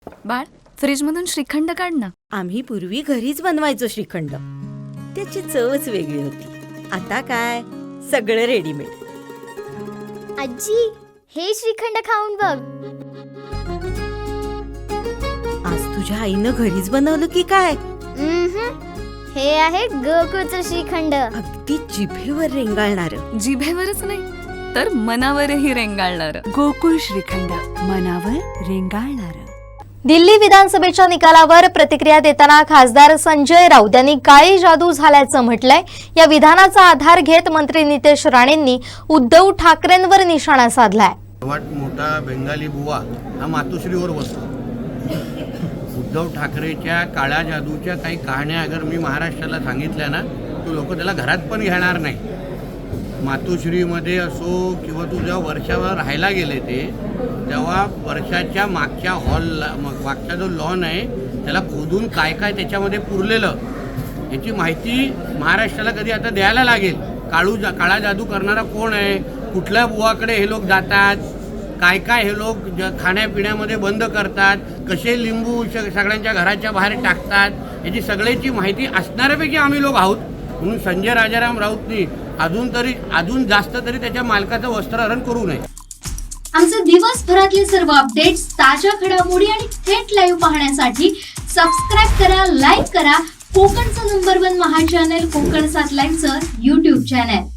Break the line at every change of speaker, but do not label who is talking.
बाळ, फ्रीजमधून श्रीखंड काढ ना.
आम्ही पूर्वी घरीच बनवायचो श्रीखंड. त्याची चवच वेगळी होती. आता काय सगळं रेडीमेड.
आजी, हे श्रीखंड खाऊन बघ.
आज तुझ्या आईनं घरीच बनवलं की काय?
हे आहे गोकुळचं श्रीखंड.
अगदी जिभेवर रेंगाळणार.
जिभेवरच नाही तर मनावरही रेंगाळणार.
गोकुळ श्रीखंड, मनावर रेंगाळणार.
दिल्ली विधानसभेच्या निकालावर प्रतिक्रिया देताना खासदार संजय राऊत यांनी काळी जादू झाल्याचं म्हटलंय. या विधानाचा आधार घेत मंत्री नितेश राणेंनी उद्धव ठाकरेंवर निशाणा साधलाय.
सर्वात मोठा बेंगाली बुवा हा मातोश्रीवर बसतो. उद्धव ठाकरेच्या काळ्या जादूच्या काही कहाण्या अगर मी महाराष्ट्राला सांगितल्या ना, तो लोक त्याला घरात पण घेणार नाही. मातोश्रीमध्ये असो किंवा तू जेव्हा वर्षावर राहायला गेले तेव्हा वर्षाच्या मागच्या हॉलला मागचा जो लॉन आहे त्याला खोदून काय काय त्याच्यामध्ये पुरलेलं याची माहिती महाराष्ट्राला कधी आता द्यायला लागेल. काळा जादू करणारा कोण आहे, कुठल्या बुवाकडे हे लोक जातात, काय काय हे लोक खाण्यापिण्यामध्ये बंद करतात, कसे लिंबू सगळ्यांच्या घराच्या बाहेर टाकतात, याची सगळ्याची माहिती असणाऱ्यापैकी आम्ही लोक आहोत. म्हणून संजय राजाराम राऊतनी अजून जास्त तरी त्याच्या मालकाचं वस्त्रहरण करू नये.
आमचे दिवसभरातले सर्व अपडेट्स, ताज्या घडामोडी आणि थेट लाईव्ह पाहण्यासाठी सबस्क्राईब करा, लाईक करा कोकणचं नंबर 1 महा चॅनल कोकण 7 लाईव्हचं YouTube चॅनल.